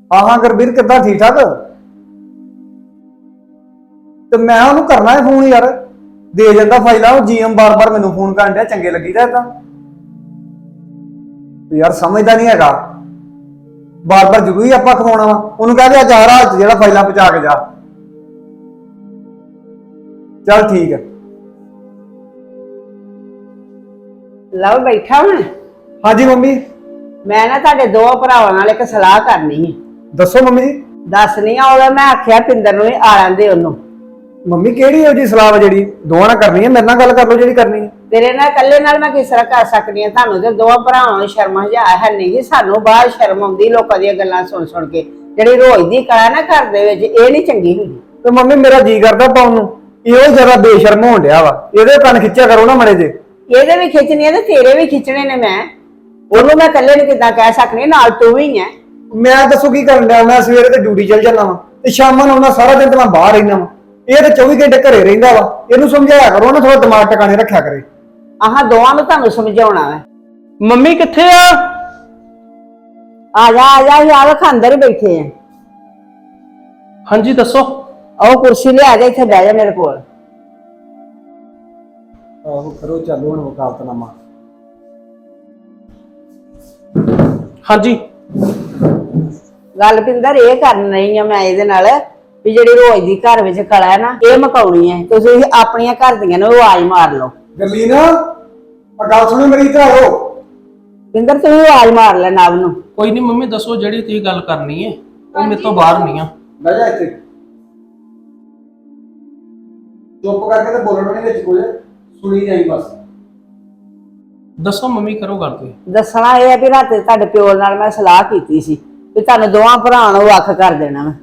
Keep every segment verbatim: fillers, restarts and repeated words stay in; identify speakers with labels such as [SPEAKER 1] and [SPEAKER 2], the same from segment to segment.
[SPEAKER 1] हाँ हाँ गुरबीर किदा ठीक ठाक। तो मैं उन्होंने करना है फोन यार, दे जाता फाइल जी एम बार बार मैनू फोन कर दिया, चंगे लगी था इदा यार, समझदा नहीं है बार बार जरूरी आप खवाना वा। उन्होंने कहा कि आज रात जो फाइल पहुंचा के जा। चल ठीक है।
[SPEAKER 2] लव बैठा हूं।
[SPEAKER 1] हाँ जी मम्मी।
[SPEAKER 2] मैं ना तुहाडे दो भरावां नाल एक सलाह करनी है।
[SPEAKER 1] दसो मम्मी जी।
[SPEAKER 2] दस नहीं आ मैं आख्या पिंदर नूं आ लैंदे ओनू।
[SPEAKER 1] मम्मी केड़ी है जी सलाह जी दोवां नाल करनी है, मेरे नाल गल कर लो जी करनी है।
[SPEAKER 2] तेरे नाल कल्ले नाल मैं किस तरह कर सकनी है? तुहानू ते दो भरावां नूं शर्म हजा है नहीं जी, सानू बाहर शर्म आउंदी लोकां दी गल्लां सुन सुन के। जेहड़ी रोज दी कला ना घर दे विच इह नहीं चंगी हुंदी।
[SPEAKER 1] तो मम्मी मेरा जी करदा पाउण नूं, इहो जरा बेशर्म होण डिया वा, इहदे कन खिच्चिया करो ना मड़े जे। इहदे
[SPEAKER 2] भी खिच्चनी है ते तेरे भी खिच्चने ने। मैं ओनू मैं कल्ले नूं किदां कह सकनी, नाल तू भी है।
[SPEAKER 1] मैं दसो की करन डिया? मैं सवेरे ते ड्यूटी चल जाना वा ते शामां नूं सारा दिन ते मैं बाहर रहिना वा, ਇਹ ਤੇ चौबीस घंटे घरे ਰਹਿੰਦਾ ਵਾ। ਇਹਨੂੰ ਸਮਝਾਇਆ ਕਰੋ ਨਾ, ਥੋੜਾ ਦਿਮਾਗ ਟਿਕਾਣੇ ਰੱਖਿਆ ਕਰੇ।
[SPEAKER 2] ਆਹਾਂ ਦੋਵਾਂ ਨੂੰ ਤੁਹਾਨੂੰ ਸਮਝਾਉਣਾ ਹੈ।
[SPEAKER 3] ਮੰਮੀ ਕਿੱਥੇ ਆ?
[SPEAKER 2] ਆ ਜਾ ਆ ਜਾ, ਯਾਰ ਅੰਦਰ ਹੀ ਬੈਠੇ ਆ।
[SPEAKER 3] ਹਾਂਜੀ ਦੱਸੋ।
[SPEAKER 2] ਆਓ ਕੁਰਸੀ ਲਿਆ ਜਾ, ਇੱਥੇ ਬਹਿ ਜਾ ਮੇਰੇ ਕੋਲ।
[SPEAKER 1] ਆਹੋ ਕਰੋ ਚੱਲੋ ਹੁਣ ਵਕਾਲਤਨਾਮਾ।
[SPEAKER 3] ਹਾਂਜੀ
[SPEAKER 2] ਗੱਲ ਪਿੰਦਰ ਇਹ ਕਰਨ ਰਹੀ ਆ ਮੈਂ ਇਹਦੇ ਨਾਲ ਵੀ ਜਿਹੜੀ ਰੋਜ਼ ਦੀ ਘਰ ਵਿੱਚ ਕਲਾ ਹੈ ਨਾ, ਇਹ ਮਕਾਉਣੀ ਹੈ। ਤੁਸੀਂ ਆਪਣੀਆਂ ਘਰ ਦੀਆਂ ਨੂੰ ਆਵਾਜ਼ ਮਾਰ ਲਓ।
[SPEAKER 1] ਗਰਲੀਨ ਆ ਗੱਲ ਸੁਣੋ ਮੇਰੀ, ਇੱਧਰ ਆਓ।
[SPEAKER 2] ਪਿੰਦਰ ਤੂੰ ਆਵਾਜ਼ ਮਾਰ ਲੈ ਨਾਬ ਨੂੰ।
[SPEAKER 3] ਕੋਈ ਨਹੀਂ ਮੰਮੀ ਦੱਸੋ, ਜਿਹੜੀ ਤੁਸੀਂ ਗੱਲ ਕਰਨੀ ਹੈ ਉਹ ਮੇਰੇ ਤੋਂ ਬਾਹਰ ਨਹੀਂ ਆ।
[SPEAKER 1] ਬਹਿ ਜਾ ਇੱਥੇ, ਚੁੱਪ ਕਰਕੇ ਤੇ ਬੋਲਣਾ ਨਹੀਂ ਵਿੱਚ ਕੁਝ, ਸੁਣੀ ਜਾਈ ਬਸ।
[SPEAKER 3] ਦੱਸੋ ਮੰਮੀ, ਕਰੋ ਗੱਲ ਤੁਸੀਂ।
[SPEAKER 2] ਦੱਸਣਾ ਇਹ ਹੈ ਵੀ ਰਾਤੇ ਤੁਹਾਡੇ ਪਿਓ ਨਾਲ ਮੈਂ ਸਲਾਹ ਕੀਤੀ ਸੀ ਵੀ ਤੁਹਾਨੂੰ ਦੋਵਾਂ ਭਰਾਵਾਂ ਨੂੰ ਵੱਖ ਕਰ ਦੇਣਾ ਮੈਂ।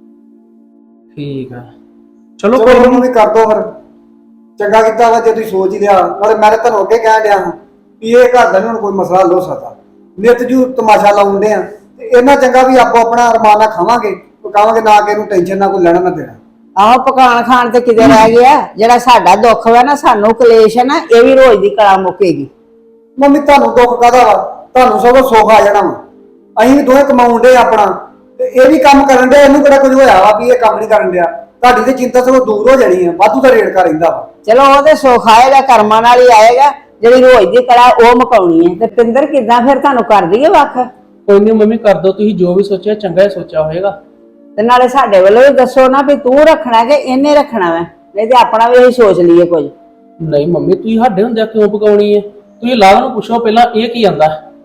[SPEAKER 3] ਠੀਕ ਹੈ ਚਲੋ
[SPEAKER 1] ਕੋਈ ਨਹੀਂ, ਕਰ ਦੋ ਫਿਰ। ਚੰਗਾ ਕੀਤਾ ਵਾ ਜੇ ਤੁਸੀਂ ਸੋਚ ਹੀ ਲਿਆ, ਨਾਲੇ ਮੈਂ ਤੁਹਾਨੂੰ ਅੱਗੇ ਕਹਿਣ ਡਿਆ ਹਾਂ ਵੀ ਇਹ ਘਰ ਦਾ ਨਹੀਂ ਹੁਣ ਕੋਈ ਮਸਲਾ ਹੱਲ ਹੋ ਸਕਦਾ। ਨਿੱਤ ਜੂ ਤਮਾਸ਼ਾ ਲਾਉਂਦੇ ਆ ਤੇ ਇਹਨਾਂ ਚੰਗਾ ਵੀ ਆਪੋ ਆਪਣਾ ਅਰਮਾਨ ਨਾਲ ਖਾਵਾਂਗੇ, ਪਕਾਵਾਂਗੇ, ਨਾ ਕਿ ਇਹਨੂੰ ਟੈਨਸ਼ਨ ਨਾ ਕੋਈ ਲੈਣਾ ਨਾ ਦੇਣਾ।
[SPEAKER 2] ਆਹੋ ਪਕਾਣ ਖਾਣ ਤੇ ਕਿਤੇ ਰਹਿ ਗਿਆ? ਜਿਹੜਾ ਸਾਡਾ ਦੁੱਖ ਵਾ ਨਾ, ਸਾਨੂੰ ਕਲੇਸ਼ ਹੈ ਨਾ, ਇਹ ਵੀ ਰੋਜ਼ ਦੀ ਕਲਾ ਮੁੱਕੇਗੀ।
[SPEAKER 1] ਮੰਮੀ ਤੁਹਾਨੂੰ ਦੁੱਖ ਕਾਹਦਾ ਵਾ? ਤੁਹਾਨੂੰ ਸਗੋਂ ਸੁੱਖ ਆ ਜਾਣਾ ਵਾ। ਅਸੀਂ ਵੀ ਦੋਵੇਂ ਕਮਾਉਣ ਡੇ ਆਪਣਾ, ਤੇ ਇਹ ਵੀ ਕੰਮ ਕਰਨ ਡਿਆ, ਇਹਨੂੰ ਕਿਹੜਾ ਕੁਝ ਹੋਇਆ ਵਾ ਵੀ ਇਹ ਕੰਮ ਨਹੀਂ ਕਰਨ ਡਿਆ? ਤੁਹਾਡੀ ਤੇ ਚਿੰਤਾ ਸਗੋਂ ਦੂਰ ਹੋ ਜਾਣੀ ਹੈ, ਵਾਧੂ ਦਾ ਰੇੜਕਾ ਰਹਿੰਦਾ ਵਾ।
[SPEAKER 2] ਚਲੋ ਉਹ ਤੇ ਸੁੱਖ ਆਏਗਾ, ਕਰਮਾਂ ਨਾਲ ਹੀ ਆਏਗਾ। ਜਿਹੜੀ ਰੋਜ਼ ਦੀ ਕਲਾ ਉਹ ਮੁਕਾਉਣੀ ਹੈ। ਤੇ ਪਿੰਦਰ ਕਿੱਦਾਂ ਫਿਰ ਤੁਹਾਨੂੰ ਕਰ ਦਈਏ ਵੱਖ?
[SPEAKER 3] ਕੋਈ ਨਹੀਂ ਮੰਮੀ, ਕਰ ਦੋ ਤੁਸੀਂ ਜੋ ਵੀ ਸੋਚਿਆ, ਚੰਗਾ ਹੀ ਸੋਚਿਆ ਹੋਏਗਾ।
[SPEAKER 2] ਤੇ ਨਾਲੇ ਸਾਡੇ ਵੱਲੋਂ ਵੀ ਦੱਸੋ ਨਾ ਵੀ ਤੂੰ ਰੱਖਣਾ ਕਿ ਇਹਨੇ ਰੱਖਣਾ ਵਾ, ਨਹੀਂ ਤੇ ਆਪਣਾ ਵੀ ਅਸੀਂ ਸੋਚ ਲਈਏ ਕੁਝ।
[SPEAKER 3] ਨਹੀਂ ਮੰਮੀ, ਤੁਸੀਂ ਸਾਡੇ ਹੁੰਦਿਆਂ ਕਿਉਂ ਪਕਾਉਣੀ ਹੈ? ਤੁਸੀਂ ਲਾਭ ਨੂੰ ਪੁੱਛੋ ਪਹਿਲਾਂ ਇਹ ਕੀ ਆਂਦਾ।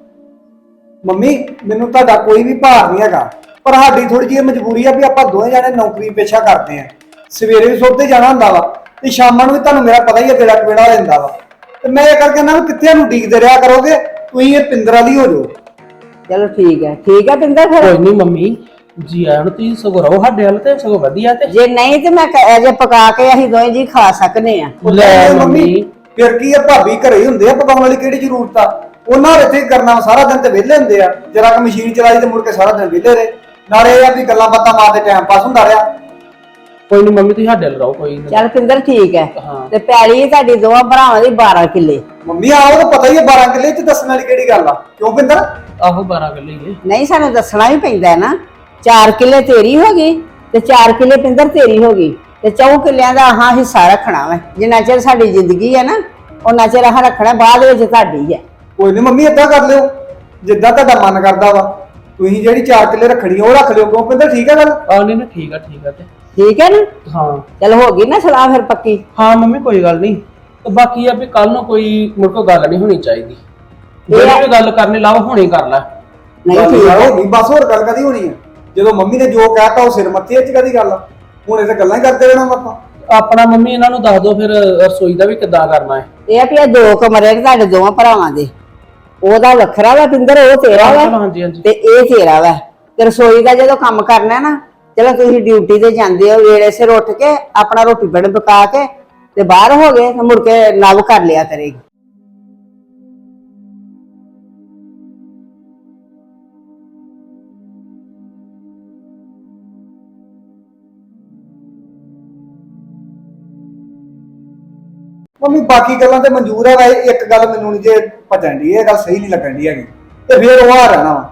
[SPEAKER 1] ਮੰਮੀ ਮੈਨੂੰ ਤੁਹਾਡਾ ਕੋਈ ਵੀ ਭਾਰ ਨਹੀਂ ਹੈਗਾ, ਪਰ ਸਾਡੀ ਥੋੜੀ ਜਿਹੀ ਮਜਬੂਰੀ ਆ ਵੀ ਆਪਾਂ ਦੋਵੇਂ ਜਾਣੇ ਨੌਕਰੀ ਪੇਸ਼ਾ ਕਰਦੇ ਆ। ਸਵੇਰੇ ਵੀ ਸੁੱਤੇ ਜਾਣਾ ਹੁੰਦਾ ਵਾ ਤੇ ਸ਼ਾਮਾਂ ਨੂੰ ਵੀ ਤੁਹਾਨੂੰ ਮੇਰਾ ਪਤਾ ਹੀ ਹੈ ਕਿਹੜਾ ਕਿਹੜਾ ਹੋ ਜਾਂਦਾ ਵਾ। ਤੇ ਮੈਂ ਇਹ ਕਰਕੇ ਨਾ ਕਿੱਥੇ ਨੂੰ ਡੀਕਦੇ ਰਿਹਾ ਕਰੋਗੇ, ਤੁਸੀਂ ਇਹ ਪਿੰਦਰ ਵਾਲੀ ਹੋ ਜਾਓ।
[SPEAKER 2] ਚਲੋ ਠੀਕ ਹੈ, ਠੀਕ ਹੈ ਪਿੰਦਰ ਫਿਰ।
[SPEAKER 3] ਕੋਈ ਨਹੀਂ ਮੰਮੀ ਜੀ, ਆਇਆ ਨੂੰ ਤੁਸੀਂ ਸਗੋਂ ਰਹੋ ਸਾਡੇ ਵੱਲ, ਤੇ ਸਗੋਂ ਵਧੀਆ। ਤੇ
[SPEAKER 2] ਜੇ ਨਹੀਂ ਤੇ ਮੈਂ ਅਜੇ ਪਕਾ ਕੇ ਅਸੀਂ ਦੋਵੇਂ ਜੀ ਖਾ ਸਕਨੇ ਆ।
[SPEAKER 3] ਲੈ ਮੰਮੀ
[SPEAKER 1] ਫਿਰ ਕੀ ਆ, ਭਾਬੀ ਘਰੇ ਹੀ ਹੁੰਦੇ ਆ, ਪਕਾਉਣ ਵਾਲੀ ਕਿਹੜੀ ਜ਼ਰੂਰਤ ਆ? ਉਹਨਾਂ ਇੱਥੇ ਕਰਨਾ ਸਾਰਾ ਦਿਨ ਤੇ ਵਿਹਲੇ ਹੁੰਦੇ ਆ, ਜਰਾ ਕਿ ਮਸ਼ੀਨ ਚਲਾਈ ਤੇ ਮੁੜ ਕੇ ਸਾਰਾ ਦਿਨ ਵਿਹਲੇ ਰਹੇ। ਨਾਲੇ ਇਹ ਆ ਵੀ ਗੱਲਾਂ ਬਾਤਾਂ ਮਾਰਦੇ ਟਾਈਮ ਪਾਸ ਹੁੰਦਾ ਰਿਹਾ।
[SPEAKER 3] ਕੋਈ ਨਹੀਂ ਮੰਮੀ, ਤੁਸੀਂ ਸਾਡੇ ਵੱਲ ਰਹੋ। ਕੋਈ ਨਹੀਂ
[SPEAKER 2] ਚੱਲ ਪਿੰਦਰ ਠੀਕ ਹੈ।
[SPEAKER 3] ਹਾਂ।
[SPEAKER 2] ਤੇ ਪੈਲੀ ਤੁਹਾਡੀ ਦੋਵਾਂ ਭਰਾਵਾਂ ਦੀ ਬਾਰਾਂ ਕਿੱਲੇ।
[SPEAKER 1] ਮੰਮੀ ਆਓ ਤਾਂ ਪਤਾ ਹੀ ਹੈ, ਬਾਰਾਂ ਕਿੱਲੇ ਚ ਦੱਸਣ ਵਾਲੀ ਕਿਹੜੀ ਗੱਲ ਆ? ਕਿਉਂ ਪਿੰਦਰ?
[SPEAKER 3] ਆਹੋ ਬਾਰਾਂ ਕਿੱਲੇ ਹੀ ਹੈ।
[SPEAKER 2] ਨਹੀਂ ਸਾਨੂੰ ਦੱਸਣਾ ਵੀ ਪੈਂਦਾ ਹੈ ਨਾ। ਚਾਰ ਕਿੱਲੇ ਤੇਰੀ ਹੋ ਗਈ ਤੇ ਚਾਰ ਕਿੱਲੇ ਪਿੰਦਰ ਤੇਰੀ ਹੋ ਗਈ, ਤੇ ਚੌ ਕਿੱਲਿਆਂ ਦਾ ਆਹ ਹਿੱਸਾ ਰੱਖਣਾ ਵਾ। ਜਿੰਨਾ ਚਿਰ ਸਾਡੀ ਜ਼ਿੰਦਗੀ ਹੈ ਨਾ, ਉਹਨਾਂ ਚਿਰ ਆਹ ਰੱਖਣਾ, ਬਾਅਦ ਵਿੱਚ ਤੁਹਾਡੀ ਹੈ।
[SPEAKER 1] ਕੋਈ ਨਹੀਂ ਮੰਮੀ, ਏਦਾਂ ਕਰ ਲਿਓ ਜਿੱਦਾਂ ਤੁਹਾਡਾ ਮਨ ਕਰਦਾ ਵਾ। ਤੁਸੀਂ ਜਿਹੜੀ ਚਾਰ ਕਿੱਲੇ ਰੱਖਣੀ ਉਹ ਰੱਖ ਲਿਓ। ਕਿਉਂ ਪਿੰਦਰ? ਠੀਕ ਹੈ ਗੱਲ?
[SPEAKER 3] ਆ ਨਹੀਂ ਨਹੀਂ, ਠੀਕ ਆ ਠੀਕ ਆ। ਤੇ
[SPEAKER 2] ਠੀਕ ਹੈ ਨਾ?
[SPEAKER 3] ਹਾਂ
[SPEAKER 2] ਚਲ ਹੋ ਗਈ ਨਾ ਸਲਾਹ ਫਿਰ ਪੱਕੀ?
[SPEAKER 3] ਹਾਂ ਮੰਮੀ ਕੋਈ ਗੱਲ ਨਹੀਂ। ਤੇ ਬਾਕੀ ਆ ਵੀ ਕੱਲ ਨੂੰ ਕੋਈ ਮੁੜ ਕੇ ਗੱਲ ਨਹੀਂ ਹੋਣੀ ਚਾਹੀਦੀ। ਜਿਹੜੀ ਵੀ ਗੱਲ ਕਰਨੀ ਲਾਓ ਹੁਣੇ ਕਰ ਲੈ।
[SPEAKER 2] ਨਹੀਂ ਠੀਕ ਹੈ,
[SPEAKER 1] ਨਹੀਂ ਬਸ ਹੋਰ ਗੱਲ ਕਦੀ ਹੋਣੀ ਹੈ? ਜਦੋਂ ਮੰਮੀ ਨੇ ਜੋ ਕਹਿਤਾ ਉਹ ਸਿਰ ਮੱਥੇ ਚ ਕਦੀ ਗੱਲ ਆ? ਹੁਣ ਇਹ ਤਾਂ ਗੱਲਾਂ ਹੀ ਕਰਦੇ ਰਹਿਣਾ ਆਪਾਂ।
[SPEAKER 3] ਆਪਣਾ ਮੰਮੀ ਇਹਨਾਂ ਨੂੰ ਦੱਸ ਦਿਓ ਫਿਰ ਰਸੋਈ ਦਾ ਵੀ ਕਿੱਦਾਂ ਕਰਨਾ ਹੈ।
[SPEAKER 2] ਇਹ ਆ ਵੀ ਇਹ ਦੋ ਕਮਰੇ ਨੇ ਤੁਹਾਡੇ ਦੋਵਾਂ ਭਰਾਵਾਂ ਦੇ, ਉਹਦਾ ਵੱਖਰਾ ਵਾ ਪਿੰਦਰ, ਉਹ ਤੇਰਾ ਵਾ
[SPEAKER 3] ਹਾਂਜੀ ਹਾਂਜੀ।
[SPEAKER 2] ਤੇ ਇਹ ਤੇਰਾ ਵਾ। ਤੇ ਰਸੋਈ ਦਾ ਜਦੋਂ ਕੰਮ ਕਰਨਾ ਨਾ, ਚਲੋ ਤੁਸੀਂ ਡਿਊਟੀ ਤੇ ਜਾਂਦੇ ਹੋ, ਵੇਲੇ ਸਿਰ ਉੱਠ ਕੇ ਆਪਣਾ ਰੋਟੀ ਪਾਣੀ ਪਕਾ ਕੇ ਤੇ ਬਾਹਰ ਹੋ ਗਏ ਤੇ ਮੁੜ ਕੇ ਨਵ ਕਰ ਲਿਆ ਕਰੇਗੀ।
[SPEAKER 1] ਮੰਮੀ ਬਾਕੀ ਗੱਲਾਂ ਤੇ ਮਨਜ਼ੂਰ ਹੈ, ਵਾ ਇੱਕ ਗੱਲ ਮੈਨੂੰ ਨਹੀਂ ਜੇ ਭਜਣ ਦੀ, ਇਹ ਗੱਲ ਸਹੀ ਨਹੀਂ ਲੱਗਣ ਦੀ ਹੈਗੀ। ਤੇ ਫਿਰ ਉਹ ਆ ਰਹਿਣਾ ਵਾ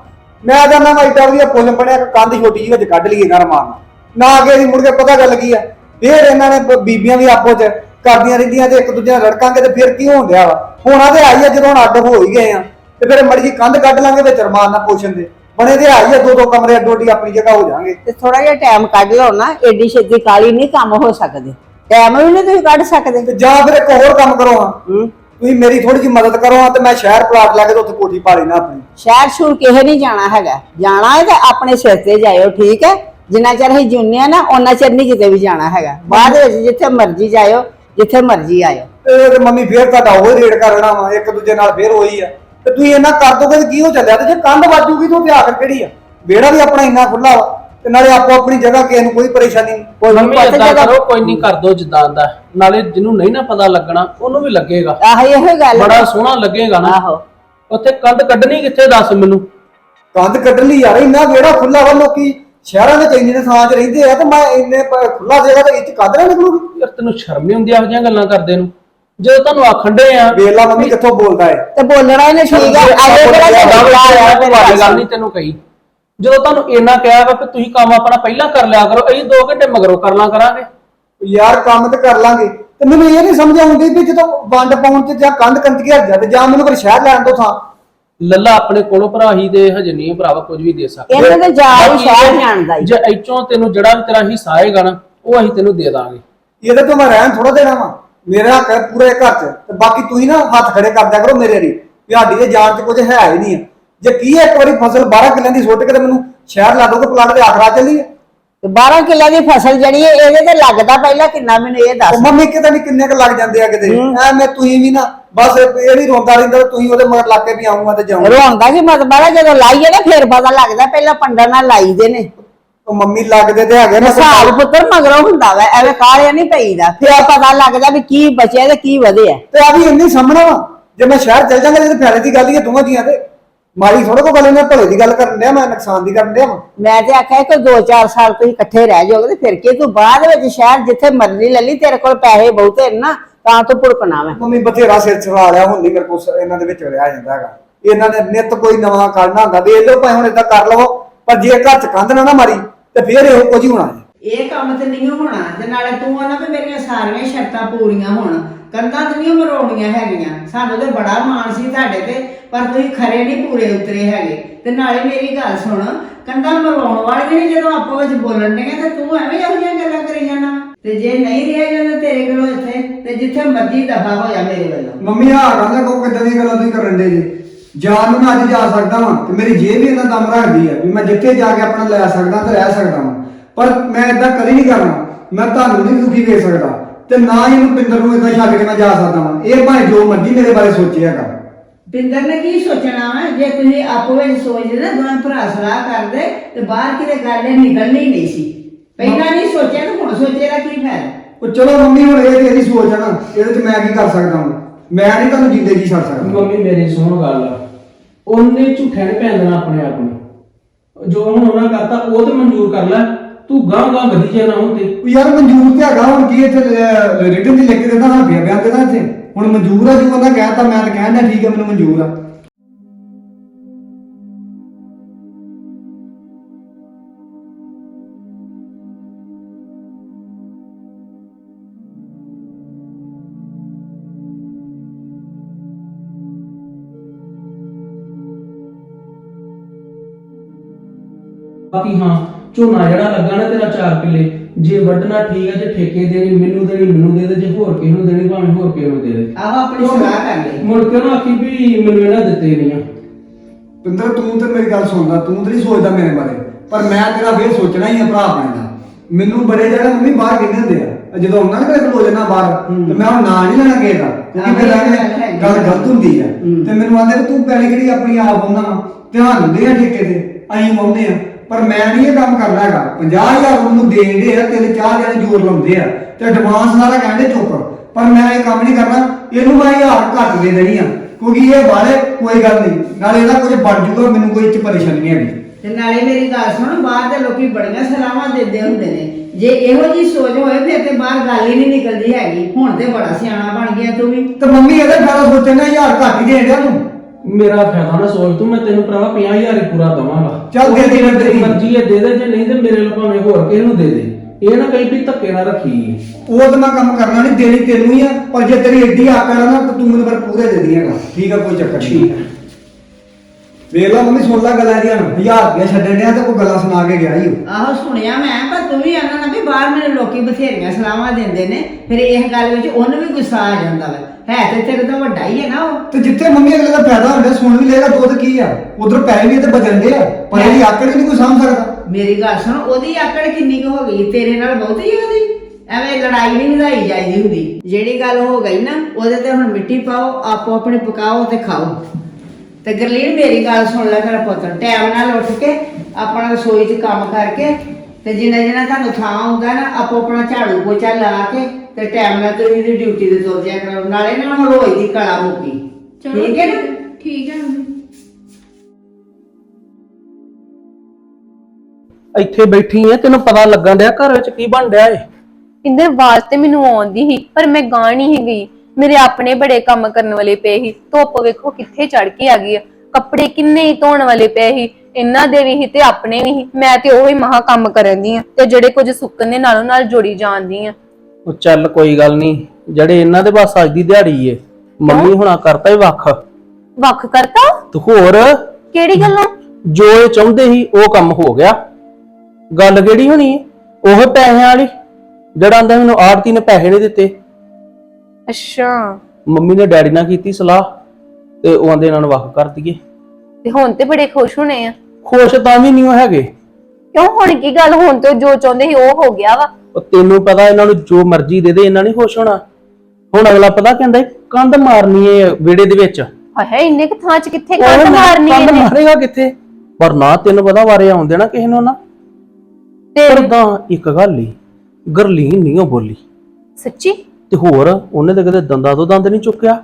[SPEAKER 1] ਮੈਂ ਕਹਿੰਦਾ ਮੈਂ ਇੱਡਾ ਵਧੀਆ ਪੁੱਲ ਬਣਿਆ ਕਿ ਕੰਧ ਛੋਟੀ ਜਿਹੀ ਵਿੱਚ ਕੱਢ ਲਈਏ ਘਰ ਮਾਰਨਾ ਨਾ ਅੱਗੇ ਦੀ ਮੁੜ ਕੇ ਪਤਾ ਗੱਲ ਕੀ ਆ ਫੇਰ ਇਹਨਾਂ ਨੇ ਬ- ਬੀਬੀਆਂ ਵੀ ਆਪੋ ਚ ਕਰਦੀਆਂ ਰਹਿੰਦੀਆਂ ਤੇ ਇੱਕ ਦੂਜੇ ਨਾਲ ਰੜਕਾਂਗੇ ਤੇ ਫਿਰ ਕੀ ਹੋਣ ਡਿਆ ਵਾ ਹੋਣਾ ਤੇ ਆਈ ਆ ਜਦੋਂ ਹੁਣ ਅੱਡ ਹੋ ਹੀ ਗਏ ਆ ਤੇ ਫਿਰ ਮੜੀ ਜੀ ਕੰਧ ਕੱਢ ਲਾਂਗੇ ਵਿੱਚ ਰਮਾਨ ਨਾਲ ਪੋਸ਼ਣ ਦੇ ਬਣੇ ਤੇ ਆਈ ਆ ਦੋ ਦੋ ਕਮਰੇ ਅੱਡੋ ਅੱਡੀ ਆਪਣੀ ਜਗ੍ਹਾ ਹੋ ਜਾਣਗੇ
[SPEAKER 2] ਤੇ ਥੋੜਾ ਜਿਹਾ ਟਾਈਮ ਕੱਢ ਲਓ ਨਾ, ਏਡੀ ਛੇਤੀ ਕਾਲੀ ਨਹੀਂ ਕੰਮ ਹੋ ਸਕਦੇ। ਟਾਈਮ ਵੀ ਨਹੀਂ ਤੁਸੀਂ ਕੱਢ ਸਕਦੇ।
[SPEAKER 1] ਤੇ ਜਾਂ ਫਿਰ ਇੱਕ ਹੋਰ ਕੰਮ ਕਰੋ ਹਾਂ
[SPEAKER 2] ਹੂੰ
[SPEAKER 1] ਤੁਸੀਂ ਮੇਰੀ ਥੋੜੀ ਜਿਹੀ ਮਦਦ ਕਰੋ ਹਾਂ ਤੇ ਮੈਂ ਸ਼ਹਿਰ ਪਲਾਟ ਲੈ ਕੇ ਤੇ ਉੱਥੇ ਕੋਠੀ ਪਾ ਲੈਣਾ ਆਪਣੀ
[SPEAKER 2] ਸ਼ਹਿਰ ਸ਼ੂਰ ਕਿਸੇ ਨਹੀਂ ਜਾਣਾ ਹੈਗਾ, ਜਾਣਾ ਹੈ ਤੇ ਆਪਣੇ ਸਿਰ ਤੇ ਜਾਇਓ, ਠੀਕ ਹੈ। ਜਿੰਨਾ ਚਿਰ ਅਸੀਂ ਜੁੰਨੇ ਆ ਨਾ ਉਹਨਾਂ ਚਿਰ ਨਹੀਂ ਕਿਤੇ ਵੀ ਜਾਣਾ ਹੈਗਾ। ਬਾਅਦ ਵਿੱਚ ਜਿੱਥੇ ਮਰਜ਼ੀ ਜਾਇਓ, ਜਿੱਥੇ ਮਰਜ਼ੀ ਆਇਓ।
[SPEAKER 1] ਤੇ ਤੇ ਮੰਮੀ ਫੇਰ ਤੁਹਾਡਾ ਉਹ ਰੇਡ ਕਰਨਾ ਵਾ ਇੱਕ ਦੂਜੇ ਨਾਲ ਫੇਰ ਉਹੀ ਆ ਤੇ ਤੁਸੀਂ ਇਹਨਾਂ ਕਰ ਦੋਗੇ ਤੇ ਕੀ ਹੋ ਚੱਲਿਆ ਤੇ ਜੇ ਕੰਧ ਵੱਜੂਗੀ ਤਾਂ ਤੇ ਆਖਰ ਕਿਹੜੀ ਆ ਵਿਹੜਾ ਵੀ ਆਪਣਾ ਇੰਨਾ ਖੁੱਲਾ ਵਾ ਤੇ ਨਾਲੇ ਆਪੋ ਆਪਣੀ ਜਗ੍ਹਾ ਕਿਸੇ ਨੂੰ ਕੋਈ ਪਰੇਸ਼ਾਨੀ ਨਹੀਂ
[SPEAKER 2] ਕੋਈ
[SPEAKER 3] ਮੰਮੀ
[SPEAKER 2] ਪਤਾ
[SPEAKER 3] ਏਦਾਂ
[SPEAKER 2] ਜਦੋਂ-
[SPEAKER 3] ਕਰੋ, ਕੋਈ ਨਹੀਂ ਕਰ ਦੋ ਜਿੱਦਾਂ ਦਾ, ਨਾਲੇ ਜਿਹਨੂੰ ਨਹੀਂ ਨਾ ਪਤਾ ਲੱਗਣਾ ਉਹਨੂੰ ਵੀ ਲੱਗੇਗਾ,
[SPEAKER 2] ਆਹੋ ਇਹੋ ਗੱਲ ਹੈ।
[SPEAKER 3] ਬੜਾ ਸੋਹਣਾ ਲੱਗੇਗਾ ਨਾ।
[SPEAKER 2] ਆਹੋ
[SPEAKER 3] ਉੱਥੇ ਕੰਧ ਕੱਢਣੀ ਕਿੱਥੇ ਦੱਸ ਮੈਨੂੰ।
[SPEAKER 1] ਕੰਧ ਕੱਢਣ ਲਈ ਯਾਰ ਇੰਨਾ ਵਿਹੜਾ ਖੁੱਲਾ ਵਾ ਲੋਕੀ ਸ਼ਹਿਰਾਂ ਦੇ ਇੰਨੇ ਥਾਂ 'ਚ ਰਹਿੰਦੇ ਆ ਤੇ ਮੈਂ ਇੰਨੇ ਪ- ਖੁੱਲਾ ਜਗ੍ਹਾ ਤੇ ਇੱਥੇ ਕੰਧ ਨਾ ਨਿਕਲੂਗੀ
[SPEAKER 3] ਯਾਰ ਤੈਨੂੰ ਸ਼ਰਮ ਨਹੀਂ ਆਉਂਦੀ ਇਹੋ ਜਿਹੀਆਂ ਗੱਲਾਂ ਕਰਦੇ ਨੂੰ? ਜਦੋਂ ਤੁਹਾਨੂੰ ਆਖਣ ਦੇ ਆ
[SPEAKER 1] ਵੇਲਾ ਮੰਮੀ ਕਿੱਥੋਂ ਬੋਲਦਾ ਏ
[SPEAKER 2] ਤੇ ਬੋਲਣਾ ਇਹਨੇ ਠੀਕ ਹੈ। ਅਜੇ ਕਿਹੜਾ
[SPEAKER 3] ਗੱਲ
[SPEAKER 2] ਤੁਹਾਡਾ
[SPEAKER 3] ਗੱਲ ਨਹੀਂ ਤੈਨੂੰ ਕਹੀ, ਜਦੋਂ ਤੁਹਾਨੂੰ ਇੰਨਾ ਕਿਹਾ ਵਾ ਕਿ ਤੁਸੀਂ ਕੰਮ ਆਪਣਾ ਪਹਿਲਾਂ ਕਰ ਲਿਆ ਕਰੋ, ਅਸੀਂ ਦੋ ਘੰਟੇ ਮਗਰੋਂ ਕਰ ਲਾਂ ਕਰਾਂਗੇ।
[SPEAKER 1] ਯਾਰ ਕੰਮ ਤੇ ਕਰ ਲਾਂਗੇ ਤੇ ਮੈਨੂੰ ਇਹ ਨਹੀਂ ਸਮਝ ਆਉਂਦੀ ਵੀ ਜਦੋਂ ਵੰਡ ਪਾਉਣ 'ਚ ਜਾਂ ਕੰਧ ਕੰਧ ਘਿਰ ਜਾ ਤੇ ਜਾਂ ਮੈਨੂੰ ਫਿਰ ਸ਼ਹਿਰ ਲੈਣ ਤੋਂ ਥਾਂ
[SPEAKER 3] ਲੱਲਾ ਆਪਣੇ ਕੋਲੋਂ ਭਰਾ ਹੀ ਦੇ ਹਜੇ ਨਹੀਂ ਭਰਾਵਾ ਕੁਝ ਵੀ ਦੇ ਸਕਦਾ।
[SPEAKER 2] ਇਹਨੇ ਤੇ ਜਾ ਹੀ ਸ਼ਹਿਰ ਜਾਣਦਾ ਹੀ।
[SPEAKER 3] ਜੇ ਇੱਚੋਂ ਤੈਨੂੰ ਜਿਹੜਾ ਵੀ ਤੇਰਾ ਹਿੱਸਾ ਆਏਗਾ ਨਾ ਉਹ ਅਸੀਂ ਤੈਨੂੰ ਦੇ ਦਾਂਗੇ।
[SPEAKER 1] ਇਹਦੇ ਤੋਂ ਮੈਂ ਰਹਿਣ ਥੋੜਾ ਦੇਣਾ ਵਾ ਮੇਰਾ ਹੱਕ ਹੈ ਪੂਰੇ ਘਰ 'ਚ ਤੇ ਬਾਕੀ ਤੁਸੀਂ ਨਾ ਹੱਥ ਖੜੇ ਕਰ ਦਿਆ ਕਰੋ ਮੇਰੇ ਲਈ ਵੀ ਸਾਡੀ ਦੇ ਜਾਣ 'ਚ ਕੁਝ ਹੈ ਹੀ ਨਹੀਂ ਆ। ਜੇ ਕੀ ਹੈ ਇੱਕ ਵਾਰੀ ਫਸਲ ਬਾਰਾਂ ਕਿੱਲਿਆਂ ਦੀ ਸੁੱਟ ਕੇ ਤੇ ਮੈਨੂੰ ਸ਼ਹਿਰ ਲਾ ਦੋਗੇ ਪਲਾਟ ਦੇ ਆਖਰਾ ਚੱਲੀ
[SPEAKER 2] ਤੇ ਬਾਰਾਂ ਕਿੱਲਿਆਂ ਦੀ ਫਸਲ ਜਿਹੜੀ ਹੈ ਇਹਦੇ ਤੇ ਲੱਗਦਾ ਪਹਿਲਾਂ ਕਿੰਨਾ ਮੈਨੂੰ ਇਹ ਦੱਸ।
[SPEAKER 1] ਉਹ ਮੰਮੀ ਕਿਤੇ ਨਹੀਂ ਕਿੰਨੇ ਕੁ ਲੱਗ ਜਾਂਦੇ ਆ ਕਿਤੇ ਐ ਮੈਂ ਤੁਸੀਂ ਵੀ ਨਾ ਬਸ ਇਹ ਨਹੀਂ ਰੋਂਦਾ ਰਹਿੰਦਾ ਤੁਸੀਂ ਉਹਦੇ ਮਗਰ ਲੱਗ ਕੇ ਵੀ ਆਉਂਗਾ ਤੇ ਜਾਊਂਗਾ।
[SPEAKER 2] ਰੋਂਦਾ ਕੀ ਮਤਲਬ ਹੈ, ਜਦੋਂ ਲਾਈਏ ਨਾ ਫੇਰ ਪਤਾ ਲੱਗਦਾ, ਪਹਿਲਾਂ ਪੰਡਾਂ ਨਾਲ ਲਾਈਦੇ ਨੇ।
[SPEAKER 1] ਉਹ ਮੰਮੀ ਲੱਗਦੇ ਤੇ ਹੈਗੇ ਨਾ
[SPEAKER 2] ਹਿਸਾਬ ਪੁੱਤਰ ਮਗਰੋਂ ਹੁੰਦਾ ਵਾ, ਐਵੇਂ ਕਾਲਿਆ ਨਹੀਂ ਪਈਦਾ। ਫੇਰ ਪਤਾ ਲੱਗਦਾ ਵੀ ਕੀ ਬਚਿਆ ਤੇ ਕੀ ਵਧਿਆ।
[SPEAKER 1] ਤੇ ਆ ਵੀ ਇੰਨੀ ਸਾਹਮਣਾ ਵਾ ਜੇ ਮੈਂ ਸ਼ਹਿਰ ਚੱਲ ਜਾਂਗਾ ਤੇ ਫਾਇਦੇ ਦੀ ਗੱਲ ਹੀ ਹੈ ਦੋਵਾਂ ਜੀਆਂ ਤੇ ਮਾੜੀ ਥੋੜਾ ਕੋ ਗੱਲ ਮੈਂ ਭਲੇ ਦੀ ਗੱਲ ਕਰਨ ਡਿਆ ਮੈਂ ਨੁਕਸਾਨ ਦੀ ਕਰਨ ਡਿਆ ਵਾ।
[SPEAKER 2] ਮੈਂ ਤੇ ਆਖਿਆ ਕਿ ਦੋ ਚਾਰ ਸਾਲ ਤੁਸੀਂ ਇਕੱਠੇ ਰਹਿ ਜਾਓਗੇ ਤੇ ਫਿਰ ਕੀ ਤੂੰ ਬਾਅਦ ਵਿੱਚ ਸ਼ਹਿਰ ਜਿੱਥੇ ਮਰਜ਼ੀ ਲੈ ਲਈ, ਤੇਰੇ ਕੋਲ ਪੈਸੇ ਬਹੁਤੇ ਨੇ ਨਾ ਤਾਂ ਤੂੰ ਭੁੜਕਣਾ ਵਾ।
[SPEAKER 1] ਮੰਮੀ ਬਥੇਰਾ ਸਿਰ ਚੜਾ ਲਿਆ ਹੁਣ ਨਹੀਂ ਮੇਰੇ ਕੋਲ ਸ- ਇਹਨਾਂ ਦੇ ਵਿੱਚ ਰਿਹਾ ਜਾਂਦਾ ਹੈਗਾ। ਇਹਨਾਂ ਨੇ ਨਿੱਤ ਕੋਈ ਨਵਾਂ ਕਰਨਾ ਹੁੰਦਾ ਵੇਖ ਲਓ ਭਾਵੇਂ ਹੁਣ ਏਦਾਂ ਕਰ ਲਵੋ ਪਰ ਜੇ ਘਰ ਚ ਕੰਧ ਨਾ ਨਾ ਮਾਰੀ ਤੇ ਫੇਰ ਇਹੋ ਕੁਝ ਹੀ ਹੋਣਾ ਹੈ।
[SPEAKER 2] ਇਹ ਕੰਮ ਤੇ ਨਹੀਂ ਹੋਣਾ ਤੇ ਨਾਲੇ ਤੂੰ ਆਣਾ ਵੀ ਮੇਰੀਆਂ ਸਾਰੀਆਂ ਸ਼ਰਤਾਂ ਪੂਰੀਆਂ ਹੋਣ, ਕੰਧਾਂ ਤੇ ਨਹੀਂ ਮਰੋਣੀਆਂ ਹੈਗੀਆਂ। ਸਾਨੂੰ ਤੇ ਬੜਾ ਮਾਣ ਸੀ ਤੁਹਾਡੇ ਤੇ, ਪਰ ਤੁਸੀਂ ਖਰੇ ਨਹੀਂ ਪੂਰੇ ਉਤਰੇ ਹੈਗੇ। ਤੇ ਨਾਲੇ ਮੇਰੀ ਗੱਲ ਸੁਣ, ਕੰਧਾਂ ਮਰਵਾਉਣ ਵਾਲੀਆਂ ਨੇ ਜਦੋਂ ਆਪੋ ਵਿੱਚ ਬੋਲਣ ਡੀਆਂ ਤੇ ਤੂੰ ਐਵੇਂ ਇਹੋ ਜਿਹੀਆਂ ਗੱਲਾਂ ਕਰੀ ਜਾਣਾ। ਤੇ ਜੇ ਨਹੀਂ ਰਿਹਾ ਜਾਂਦਾ ਤੇਰੇ ਕੋਲੋਂ ਇੱਥੇ ਤੇ ਜਿੱਥੇ ਮਰਜ਼ੀ ਦਫਾ ਹੋ ਜਾ ਮੇਰੇ ਵੱਲੋਂ।
[SPEAKER 1] ਮੰਮੀ ਆ ਗੱਲ ਕੋ ਕਿੱਦਾਂ ਦੀਆਂ ਗੱਲਾਂ ਤੁਸੀਂ ਕਰਨ ਦੇ ਜੀ ਜਾਨ ਨੂੰ ਮੈਂ ਅੱਜ ਜਾ ਸਕਦਾ ਵਾਂ ਤੇ ਮੇਰੀ ਜੇਬ ਵੀ ਇਹਨਾਂ ਦਮ ਰੱਖਦੀ ਆ ਵੀ ਮੈਂ ਜਿੱਥੇ ਜਾ ਕੇ ਆਪਣਾ ਲੈ ਸਕਦਾ ਤੇ ਰਹਿ ਸਕਦਾ ਵਾਂ, ਪਰ ਮੈਂ ਏਦਾਂ ਕਦੀ ਨਹੀਂ ਕਰਨਾ। ਮੈਂ ਤੁਹਾਨੂੰ ਨਹੀਂ ਦੁਖੀ ਵੇਖ ਸਕਦਾ ਤੇ ਨਾ ਹੀ ਇਹਨੂੰ ਪਿੰਦਰ ਨੂੰ ਏਦਾਂ ਛੱਡ ਕੇ ਮੈਂ ਜਾ ਸਕਦਾ ਵਾਂ। ਇਹ ਭਾਵੇਂ ਜੋ ਮਰਜ਼ੀ ਮੇਰੇ ਬਾਰੇ ਸੋਚੇ ਹੈਗਾ।
[SPEAKER 2] ਪਿੰਦਰ ਨੇ ਕੀ ਸੋਚਣਾ ਵਾ ਜੇ ਤੁਸੀਂ ਆਪੋ ਵਿੱਚ ਸੋਚਦੇ ਨਾ ਦੋਵੇਂ ਭਰਾ ਸਲਾਹ ਕਰਦੇ ਤੇ ਬਾਹਰ ਕਿਤੇ ਗੱਲ ਇਹ ਨਿਕਲਣੀ ਨਹੀਂ ਸੀ। ਪਹਿਲਾਂ ਨਹੀਂ ਸੋਚਿਆ ਤੇ ਹੁਣ ਸੋਚੇਗਾ ਕੀ ਫਾਇਦਾ।
[SPEAKER 1] ਉਹ ਚਲੋ ਮੰਮੀ ਹੁਣ ਇਹ ਤੇਰੀ ਸੋਚ ਹੈ ਨਾ, ਇਹਦੇ ਚ ਮੈਂ ਕੀ ਕਰ ਸਕਦਾ ਹਾਂ। ਮੈਂ ਨਹੀਂ ਤੁਹਾਨੂੰ ਜਿੰਦੇ ਜੀ ਛੱਡ ਸਕਦਾ।
[SPEAKER 3] ਮੰਮੀ ਮੇਰੀ ਸੁਣ ਗੱਲ, ਉਹਨੇ ਝੂਠਿਆਂ ਨੇ ਭੈਣ ਦੇਣਾ ਆਪਣੇ ਆਪ ਨੂੰ। ਜੋ ਹੁਣ ਉਹਨਾਂ ਕਰਤਾ ਉਹ ਤੇ ਮਨਜ਼ੂਰ ਕਰ ਲੈ, ਤੂੰ ਗਾਂ ਗਾਂ ਵਧੀ ਜਾਣਾ ਹੁਣ ਤੇ।
[SPEAKER 1] ਉਹ ਯਾਰ ਮਨਜ਼ੂਰ ਤੇ ਹੈਗਾ ਹੁਣ ਕੀ ਇੱਥੇ ਰਿਟਨ ਦੀ ਲਿਖ ਕੇ ਦਿੰਦਾ ਹਾਂ ਬਿਆਨ ਦੇਣਾ ਇੱਥੇ ਹੁਣ ਮਨਜ਼ੂਰ ਆ। ਜੋ ਉਹਦਾ ਕਹਿਤਾ ਮੈਂ ਤਾਂ ਕਹਿਣਾ ਠੀਕ ਹੈ ਮੈਨੂੰ ਮਨਜ਼ੂਰ ਆ।
[SPEAKER 3] ਬਾਕੀ ਹਾਂ ਝੋਨਾ ਜਿਹੜਾ ਲੱਗਾ ਨਾ ਤੇਰਾ ਚਾਰ ਕਿੱਲੇ, ਜੇ ਵੱਢਣਾ ਠੀਕ ਹੈ, ਜੇ ਠੇਕੇ ਦੇਣੀ ਮੈਨੂੰ ਦੇਣੀ ਮੈਨੂੰ ਦੇ ਦੇ, ਜੇ ਹੋਰ ਕਿਸੇ ਨੂੰ ਦੇਣੀ ਭਾਵੇਂ ਹੋਰ ਕਿਸੇ ਨੂੰ ਦੇ ਦੇ।
[SPEAKER 2] ਆਹੋ ਆਪਣੀ ਸਲਾਹ ਕਰ ਲਈ।
[SPEAKER 3] ਮੁੜ ਕੇ ਨਾ ਆਖੀ ਵੀ ਮੈਨੂੰ ਇਹਨਾਂ ਦਿੱਤੇ ਨਹੀਂ ਆ।
[SPEAKER 1] ਪਿੰਦਰ ਤੂੰ ਤੇ ਮੇਰੀ ਗੱਲ ਸੁਣਦਾ, ਤੂੰ ਤੇ ਨਹੀਂ ਸੋਚਦਾ ਮੇਰੇ ਬਾਰੇ, ਪਰ ਮੈਂ ਤੇਰਾ ਫੇਰ ਸੋਚਣਾ ਹੀ ਆ ਭਰਾ ਆਪਣੇ ਦਾ। ਮੈਨੂੰ ਬੜੇ ਜਿਹੜੇ ਮੰਮੀ ਬਾਹਰ ਕਹਿੰਦੇ ਹੁੰਦੇ ਆ ਜਦੋਂ ਉਹਨਾਂ ਨੇ ਮੇਰੇ ਕੋਲ ਹੋ ਜਾਣਾ ਬਾਹਰ ਤੇ ਮੈਂ ਹੁਣ ਨਾਂ ਨਹੀਂ ਲੈਣਾ ਕਿਸੇ ਦਾ ਕਿਉਂਕਿ ਫਿਰ ਐਵੇਂ ਗੱਲ ਗਲਤ ਹੁੰਦੀ ਆ। ਤੇ ਮੈਨੂੰ ਆਂਦੇ ਤੂੰ ਪੈਲੀ ਕਿਹੜੀ ਆਪਣੀ ਆਪ ਆਉਂਦਾ ਵਾ, ਧਿਆਨ ਦਿੰਦੇ ਆ ਠੇਕੇ ਤੇ ਅਸੀਂ ਆਉਂਦੇ ਆ, ਪਰ ਮੈਂ ਨਹੀਂ ਇਹ ਕੰਮ ਕਰਨਾ ਹੈਗਾ। ਪੰਜਾਹ ਹਜ਼ਾਰ ਉਹਨੂੰ ਦੇਣਦੇ ਆ, ਤਿੰਨ ਚਾਰ ਜਣੇ ਜ਼ੋਰ ਲਾਉਂਦੇ ਆ ਤੇ ਐਡਵਾਂਸ ਸਾਰਾ ਕਹਿੰਦੇ ਚੁੱਪ, ਪਰ ਮੈਂ ਇਹ ਕੰਮ ਨਹੀਂ ਕਰਨਾ। ਇਹਨੂੰ ਮੈਂ ਹਜ਼ਾਰ ਘੱਟ ਦੇ ਦੇਣੀ ਆ ਕਿਉਂਕਿ ਇਹ ਵਾਲੇ ਕੋਈ ਗੱਲ ਨਹੀਂ, ਨਾਲੇ ਇਹਦਾ ਕੁਝ ਬਣ ਜੂਗਾ, ਮੈਨੂੰ ਕੋਈ ਇੱਥੇ ਪਰੇਸ਼ਾਨੀ ਨਹੀਂ ਹੈਗੀ।
[SPEAKER 2] ਤੇ ਨਾਲੇ ਮੇਰੀ ਗੱਲ ਸੁਣ, ਬਾਹਰ ਦੇ ਲੋਕੀ ਬੜੀਆਂ ਸਲਾਹਾਂ ਦਿੰਦੇ ਹੁੰਦੇ ਨੇ, ਜੇ ਇਹੋ ਜੀ ਸੋਚ ਹੋਏ ਫਿਰ ਤੇ ਬਾਹਰ ਗੱਲ ਹੀ ਨਹੀਂ ਨਿਕਲਦੀ ਹੈਗੀ। ਹੁਣ ਤੇ ਬੜਾ ਸਿਆਣਾ ਬਣ ਗਿਆ ਤੂੰ ਵੀ।
[SPEAKER 1] ਤੇ ਮੰਮੀ ਇਹਦਾ ਫਾਇਦਾ ਸੋਚਣਾ ਹਜ਼ਾਰ ਘੱਟ ਹੀ ਦੇਣ ਡਿਆ ਤੂੰ।
[SPEAKER 3] ਮੇਰਾ ਫਾਇਦਾ ਨਾ ਸੋਚ ਤੂੰ, ਮੈਂ ਤੈਨੂੰ ਭਰਾ ਪੰਜਾਹ ਹਜ਼ਾਰ ਹੀ ਪੂਰਾ ਦਵਾਂਗਾ।
[SPEAKER 1] ਚੱਲ ਦੇ ਦੇ
[SPEAKER 3] ਤੇਰੀ
[SPEAKER 1] ਤੇਰੀ
[SPEAKER 3] ਮਰਜ਼ੀ ਹੈ, ਦੇ ਦੇ, ਜੇ ਨਹੀਂ ਤੇ ਮੇਰੇ ਲਈ ਭਾਵੇਂ ਹੋਰ ਕਿਸੇ ਨੂੰ ਦੇ ਦੇ। ਇਹ ਨਾ ਕਹੀਂ ਵੀ ਧੱਕੇ ਨਾ ਰੱਖੀ।
[SPEAKER 1] ਉਹ ਤਾਂ ਮੈਂ ਕੰਮ ਕਰਨਾ ਨਹੀਂ, ਦੇਣੀ ਤੈਨੂੰ ਹੀ ਆ, ਪਰ ਜੇ ਤੇਰੀ ਐਡੀ ਆਕੜ ਆ ਨਾ ਤਾਂ ਤੂੰ ਮੈਨੂੰ ਫਿਰ ਪੂਰੇ ਦੇ ਦੇਂਗਾ। ਠੀਕ ਆ, ਕੋਈ ਚੱਕਰ ਨਹੀਂ। ਵੇਖ ਲਾ ਮੰਮੀ, ਸੁਣ ਲੈ ਗੱਲਾਂ ਇਹਦੀਆਂ। ਹਜ਼ਾਰ ਰੁਪਇਆ ਛੱਡਣ ਡਿਆ ਤੇ ਕੋਈ ਗੱਲਾਂ ਸੁਣਾ ਕੇ ਗਿਆ ਹੀ ਉਹ।
[SPEAKER 2] ਆਹੋ ਸੁਣਿਆ ਮੈਂ, ਪਰ ਤੂੰ ਵੀ ਆਣਾ ਨਾ ਵੀ ਬਾਹਰ ਮੈਨੂੰ ਲੋਕੀ ਬਥੇਰੀਆਂ ਸਲਾਹਾਂ ਦਿੰਦੇ ਨੇ, ਫਿਰ ਇਸ ਗੱਲ ਵਿੱਚ ਉਹਨੂੰ ਵੀ ਗੁੱਸਾ ਆ ਜਾਂਦਾ ਵਾ। ਹੈ ਤੇ ਤੇਰੇ ਤੋਂ ਵੱਡਾ ਹੀ ਹੈ ਨਾ ਉਹ।
[SPEAKER 1] ਤੇ ਜਿੱਥੇ ਮੰਮੀ ਅਗਲੇ ਦਾ ਫਾਇਦਾ ਹੁੰਦਾ ਸੁਣ ਵੀ ਲਏਗਾ, ਦੁੱਧ ਕੀ ਆ, ਉਧਰ ਪੈਸੇ ਵੀ ਤੇ ਬਚਣਦੇ ਆ, ਪਰ ਇਹਦੀ ਆਕੜ ਵੀ ਨਹੀਂ ਕੋਈ ਸਮਝ ਸਕਦਾ।
[SPEAKER 2] ਮੇਰੀ ਗੱਲ ਸੁਣ, ਉਹਦੀ ਆਕੜ ਕਿੰਨੀ ਕੁ ਹੋ ਗਈ, ਤੇਰੇ ਨਾਲ ਬਹੁਤੀ ਉਹਦੀ। ਐਵੇਂ ਲੜਾਈ ਨਹੀਂ ਵਧਾਈ ਜਾਂਦੀ ਹੁੰਦੀ। ਜਿਹੜੀ ਗੱਲ ਹੋ ਗਈ ਨਾ, ਉਹਦੇ ਤੇ ਹੁਣ ਮਿੱਟੀ ਪਾਓ, ਆਪੋ ਆਪਣੀ ਪਕਾਓ ਤੇ ਖਾਓ। ਤੇ ਗਰਲੀਨ ਮੇਰੀ ਗੱਲ ਸੁਣ ਲੈ ਮੇਰਾ ਪੁੱਤ, ਟਾਈਮ ਨਾਲ ਉੱਠ ਕੇ ਆਪਣਾ ਰਸੋਈ 'ਚ ਕੰਮ ਕਰਕੇ ਤੇ ਜਿੰਨਾ ਜਿੰਨਾ ਤੁਹਾਨੂੰ ਥਾਂ ਹੁੰਦਾ ਨਾ, ਆਪੋ ਆਪਣਾ ਝਾੜੂ ਪੋਚਾ ਲਾ ਕੇ ਤੇ ਟਾਈਮ ਨਾਲ ਤੁਸੀਂ ਇਹਦੀ ਡਿਊਟੀ ਤੇ ਤੁਰ ਜਾਇਆ ਕਰੋ। ਨਾਲੇ ਨਾ ਹੁਣ ਰੋਜ਼ ਦੀ ਕਲਾ ਮੁੱਕੀ। ਠੀਕ ਹੈ ਨਾ?
[SPEAKER 4] ਠੀਕ ਹੈ ਮੰਮੀ।
[SPEAKER 3] ਇੱਥੇ ਬੈਠੀ ਐ, ਤੈਨੂੰ ਪਤਾ ਲੱਗਣ ਡਿਆ ਘਰ ਵਿੱਚ ਕੀ ਬਣ ਡਿਆ ਏ?
[SPEAKER 4] ਇੰਦਰ ਆਵਾਜ਼ ਤੇ ਮੈਨੂੰ ਆਉਂਦੀ ਸੀ, ਪਰ ਮੈਂ ਗਾਂ ਨਹੀਂ ਹੀ ਗਈ। ਮੇਰੇ ਆਪਣੇ ਬੜੇ ਕੰਮ ਕਰਨ ਵਾਲੇ ਪਏ ਸੀ। ਧੁੱਪ ਵੇਖੋ ਕਿੱਥੇ ਚੜ ਕੇ ਆ ਗਈ ਆ। ਕੱਪੜੇ ਕਿੰਨੇ ਹੀ ਧੋਣ ਵਾਲੇ ਪਏ ਸੀ, ਇਹਨਾਂ ਦੇ ਵੀ ਸੀ ਤੇ ਆਪਣੇ ਵੀ ਸੀ। ਮੈਂ ਤੇ ਉਹੀ ਮਹਾ ਕੰਮ ਕਰਨ ਦੀ ਆ, ਤੇ ਜਿਹੜੇ ਕੁਝ ਸੁੱਕਣ ਦੇ ਨਾਲੋਂ ਨਾਲ ਜੋੜੀ ਜਾਂਦੀ ਆ।
[SPEAKER 3] ਉਹ ਚੱਲ ਕੋਈ ਗੱਲ ਨਹੀਂ, ਜਿਹੜੇ ਇਹਨਾਂ ਦੇ ਬਸ ਅੱਜ ਦੀ ਦਿਹਾੜੀ ਏ। ਮੰਮੀ ਹੁਣਾ ਕਰਤਾ ਹੀ ਵੱਖ
[SPEAKER 4] ਵੱਖ ਕਰਤਾ?
[SPEAKER 3] ਤੇ ਹੋਰ
[SPEAKER 4] ਕਿਹੜੀ ਗੱਲੋਂ?
[SPEAKER 3] ਜੋ ਇਹ ਚਾਹੁੰਦੇ ਸੀ ਉਹ ਕੰਮ ਹੋ ਗਿਆ। ਗੱਲ ਕਿਹੜੀ ਹੋਣੀ ਏ? ਉਹ ਪੈਸਿਆਂ ਵਾਲੀ, ਜਿਹੜਾ ਆਂਦਾ ਮੈਨੂੰ ਆੜਤੀ ਨੇ ਪੈਸੇ ਨਹੀਂ ਦਿੱਤੇ।
[SPEAKER 4] ਅੱਛਾ,
[SPEAKER 3] ਮੰਮੀ ਨੇ ਡੈਡੀ ਨਾਲ ਕੀਤੀ ਸਲਾਹ ਤੇ ਉਹ ਆਂਦੇ ਇਹਨਾਂ ਨੂੰ ਵੱਖ ਕਰ ਦਈਏ।
[SPEAKER 4] ਤੇ ਹੁਣ ਤੇ ਬੜੇ ਖੁਸ਼ ਹੋਣੇ ਆ।
[SPEAKER 3] ਖੁਸ਼ ਤਾਂ ਵੀ ਨਹੀਂ ਉਹ ਹੈਗੇ।
[SPEAKER 4] ਕਿਉਂ, ਹੁਣ ਕੀ ਗੱਲ? ਹੁਣ ਤੇ ਜੋ ਚਾਹੁੰਦੇ ਸੀ ਉਹ ਹੋ ਗਿਆ ਵਾ।
[SPEAKER 3] ਉਹ ਤੈਨੂੰ ਪਤਾ, ਇਹਨਾਂ ਨੂੰ ਜੋ ਮਰਜ਼ੀ ਦੇ ਦੇ, ਇਹਨਾਂ ਨਹੀਂ ਖੁਸ਼ ਹੋਣਾ। ਹੁਣ ਅਗਲਾ ਪਤਾ ਕਹਿੰਦਾ ਕੰਧ ਮਾਰਨੀ ਏ ਵਿਹੜੇ ਦੇ ਵਿੱਚ।
[SPEAKER 4] ਹਾਏ, ਇੰਨੇ ਕਿ ਥਾਂ 'ਚ ਕਿੱਥੇ ਕੰਧ ਮਾਰਨੀ
[SPEAKER 3] ਕੰਧ
[SPEAKER 4] ਇਹਨੇ?
[SPEAKER 3] ਮਾਰੇਗਾ ਕਿੱਥੇ? ਪਰ ਨਾ, ਤੈਨੂੰ ਪਤਾ ਵਾਰੇ ਆਉਂਦੇ ਨਾ ਕਿਸੇ ਨੂੰ ਨਾ।
[SPEAKER 4] ਤੇ
[SPEAKER 3] ਪਰ ਤਾਂ ਇੱਕ ਗੱਲ ਹੀ, ਗਰਲੀਨ ਨਹੀਂ ਉਹ ਬੋਲੀ।
[SPEAKER 4] ਸੱਚੀ?
[SPEAKER 3] ਤੇ ਹੋਰ ਉਹਨੇ ਤਾਂ ਕਦੇ ਦੰਦਾਂ ਤੋਂ ਦੰਦ ਨਹੀਂ ਚੁੱਕਿਆ।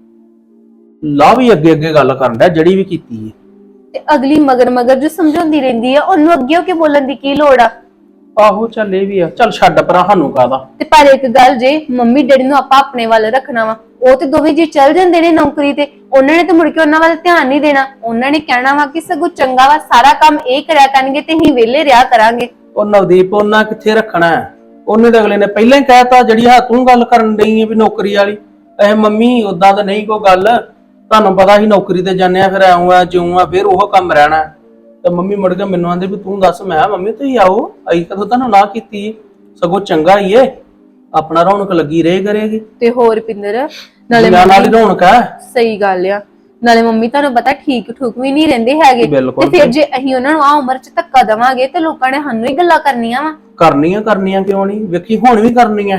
[SPEAKER 3] ਲਾ ਵੀ ਅੱਗੇ ਅੱਗੇ ਗੱਲ ਕਰਨ ਦਾ ਜਿਹੜੀ ਵੀ ਕੀਤੀ ਹੈ।
[SPEAKER 4] ਤੇ ਅਗਲੀ ਮਗਰ ਮਗਰ ਜੋ ਸਮਝਾਉਂਦੀ ਰਹਿੰਦੀ ਆ, ਉਹਨੂੰ ਅੱਗੇ ਹੋ ਕੇ ਬੋਲਣ ਦੀ ਕੀ ਲੋੜ ਆ?
[SPEAKER 3] ਆਹੋ ਚੱਲ ਇਹ ਵੀ ਆ, ਚੱਲ ਛੱਡ ਪਰਾਂ, ਸਾਨੂੰ ਕਾਹਦਾ।
[SPEAKER 4] ਤੇ ਪਰ ਇੱਕ ਗੱਲ, ਜੇ ਮੰਮੀ ਡੈਡੀ ਨੂੰ ਆਪਾਂ ਆਪਣੇ ਵੱਲ ਰੱਖਣਾ ਵਾ, ਉਹ ਤੇ ਦੋਵੇਂ ਜੀ ਚੱਲ ਜਾਂਦੇ ਨੇ ਨੌਕਰੀ ਤੇ, ਉਹਨਾਂ ਨੇ ਤੇ ਮੁੜ ਕੇ ਉਹਨਾਂ ਵੱਲ ਧਿਆਨ ਨਹੀਂ ਦੇਣਾ। ਉਹਨਾਂ ਨੇ ਕਹਿਣਾ ਵਾ ਕਿ ਸਗੋਂ ਚੰਗਾ ਵਾ, ਸਾਰਾ ਕੰਮ ਇਹ ਕਰਿਆ ਕਰਨਗੇ ਤੇ ਅਸੀਂ ਵਿਹਲੇ ਰਿਹਾ ਕਰਾਂਗੇ।
[SPEAKER 3] ਉਹ ਨਵਦੀਪ ਉਹਨਾਂ ਕਿੱਥੇ ਰੱਖਣਾ ਹੈ? ਉਹਨੇ ਤਾਂ ਅਗਲੇ ਨੇ ਪਹਿਲਾਂ ਹੀ ਕਹਿਤਾ, ਜਿਹੜੀ ਹਾਂ ਤੂੰ ਗੱਲ ਕਰਨ ਡਈ ਹੈ ਵੀ ਨੌਕਰੀ ਵਾਲੀ। ਇਹ ਮੰਮੀ ਉਦਾਂ ਤਾਂ ਨਹੀਂ ਕੋਈ ਗੱਲ, ਤੁਹਾਨੂੰ ਪਤਾ ਸੀ ਨੌਕਰੀ ਤੇ ਜਾਂਦੇ ਆ, ਫਿਰ ਆਉਂ ਆ ਜਿਉਂ ਆ, ਫਿਰ ਉਹ ਕੰਮ ਰਹਿਣਾ। ਤੇ ਮੰਮੀ ਮੁੜ ਕੇ ਮੈਨੂੰ ਆਂਦੇ ਵੀ ਤੂੰ ਦੱਸ। ਮੈਂ ਮੰਮੀ ਤੁਸੀਂ ਆਓ, ਅਸੀਂ ਕਦੋਂ ਤੁਹਾਨੂੰ ਨਾ ਕੀਤੀ, ਸਗੋਂ ਚੰਗਾ ਹੀ ਏ, ਆਪਣਾ ਰੌਣਕ ਲੱਗੀ ਰਹੇ ਕਰੇਗੀ।
[SPEAKER 4] ਤੇ ਹੋਰ ਪਿੰਦਰ, ਨਾਲੇ
[SPEAKER 3] ਨਾਲ ਹੀ ਰੌਣਕ ਹੈ।
[SPEAKER 4] ਸਹੀ ਗੱਲ ਆ। ਨਾਲੇ ਮੰਮੀ ਤੁਹਾਨੂੰ ਪਤਾ ਠੀਕ ਠੂਕ ਵੀ ਨਹੀਂ ਰਹਿੰਦੇ ਹੈਗੇ, ਤੇ ਫਿਰ ਜੇ ਅਸੀਂ ਉਹਨਾਂ ਨੂੰ ਆ ਉਮਰ 'ਚ ਧੱਕਾ ਦੇਵਾਂਗੇ ਤੇ ਲੋਕਾਂ ਨੇ ਸਾਨੂੰ ਹੀ ਗੱਲਾਂ ਕਰਨੀਆਂ ਵਾ।
[SPEAKER 3] ਕਰਨੀਆਂ ਕਰਨੀਆਂ ਕਿਉਂ ਨਹੀਂ, ਵੇਖੀ ਹੁਣ ਵੀ ਕਰਨੀਆਂ।